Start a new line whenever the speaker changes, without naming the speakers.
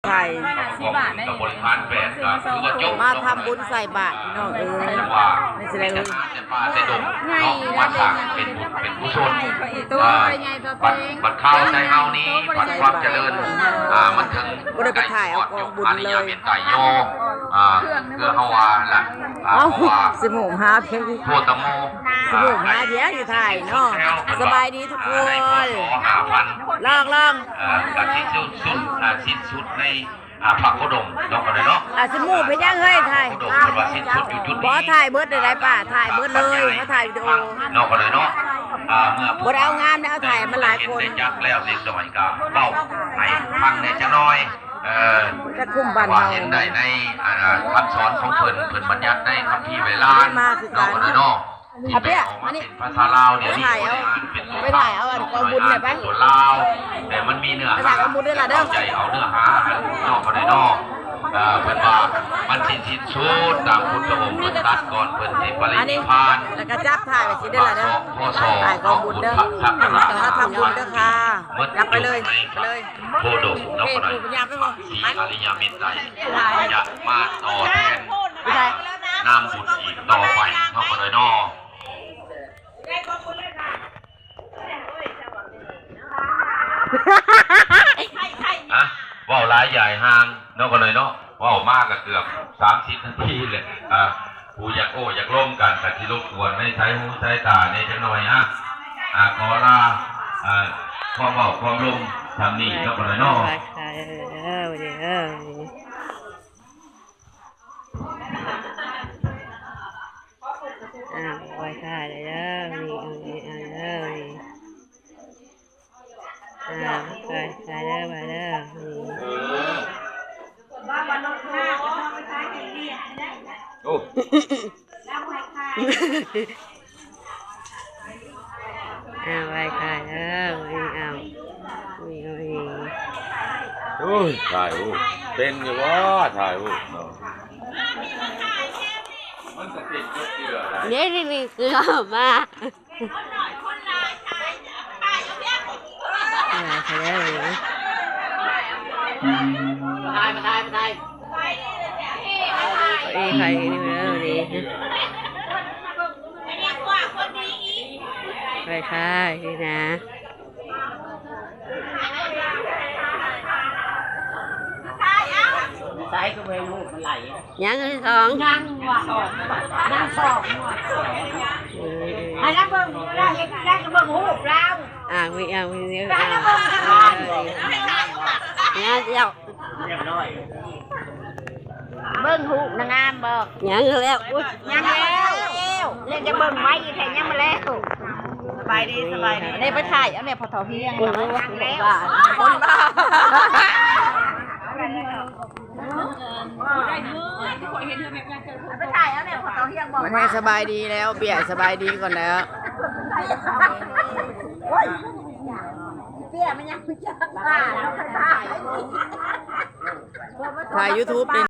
ไทย
กับบริพารแปดก็คือว่าจบ
มาทำบุญใส่บาตรพี่น้องนี่แสดงว่า
แต่ป่าแต่ดงเนาะมาสร้างเป็นบุญเป็นกุศลบัดข้าวใจเฮานี้บัดความเจริญมันถึงอริยเมตไตรโยเพื่อเฮาว่าล่ะ
สมุนหาเพียง
โพตโม
สมุนหาเดียวอยู่ไทยเนาะสบายดีทุกคนลอง
กับชิ้นสุดในพระโคดมน้องกันเลยเนาะ
สมุนไปย่างเฮ้ยไทย
โคดมเป็นว่าสิ้นสุดอยู่จุดนี้
บอถ่ายเบิร์ดได้ป่ะถ่ายเบิร์ดเลยเขาถ่ายวิดีโอ
น้องกันเลยเนาะเมื่อบ
ดเอางามนะเอาถ่ายมันหลายคน
ได้จักแล้วเด็กสมัยก่อนเล่าให้ฟังในจังน้อย
จะคุ้มบัน
ว่า
เรา
เห็นได้ในคำสอนของเพิ่นบัญญัติในคัมภีร์เวลาน้องกันเลยเนาะที่เป็นออกมาเป็นภาษาลาวเดี๋ยวนี้เป็นตัว
เอาอันกองบุญเลยปะ
ตัวลาวแต่มันมีเนื้อหาเข้าใจเอาเนื้อหานอกกันเลยเนาะเพิ่นว่ามันสิ้นสุดตามพุทธองค์เพิ่นตัดก่อนเพิ่นสิปรินิพพาน
แล้วก็จับถ่ายไปสิได้ละเด้อ
พ่อสอ
ถ่ายกองบุญเด้อถ้าทำบุญเด้อค่ะจับไปเลย
โพดมนกอะไรสีอริยเมตไตรจะมาต่อแทนนามบุญอีกต่อไปนอกกันเลยเนาะว่าวลายใหญ่ห่างนอกกันเลยเนาะว่าวมากกับเกือบ30 นาทีเลยผู้อยากอยากร่วมกันแต่ที่รบกวนไม่ใช้หูใช้ตาในจังหน่อยขอลาความเบาความลมทำนี่นอกกันเลยเนาะ
ไว้ค่ะเด้อมีไปค่ะเด้อมาเด้อ
โอ้
ไว้ค่ะเด้อมี
โอ้ยถ่ายรูปเป็นอยู่ว่าถ่ายรูปเนาะ
นี่คือมาถ่ายใครนี่เลยไปค่ะนี่นะใส่ก็ไปลูกมันไหลยังที่สองยังสองอันนั้นเบิ่งได้ก็เบิ่งหูเรามีเนื้อเนี่ยเจ้าเบิ่งหูนางงามบอกยังแล้วยังแล้วเล่นจะเบิ่งไว้แข่งยังมาแล้วสบายดีได้ไปถ่ายเอาเนี่ยพอทอเพียงคนบ้าไปถ่ายเอาเนี่ยพอทอเพียงบอกไม่สบายดีแล้วเบียร์สบายดีก่อนแล้วเบียร์มันยังไม่จับถ่าย YouTube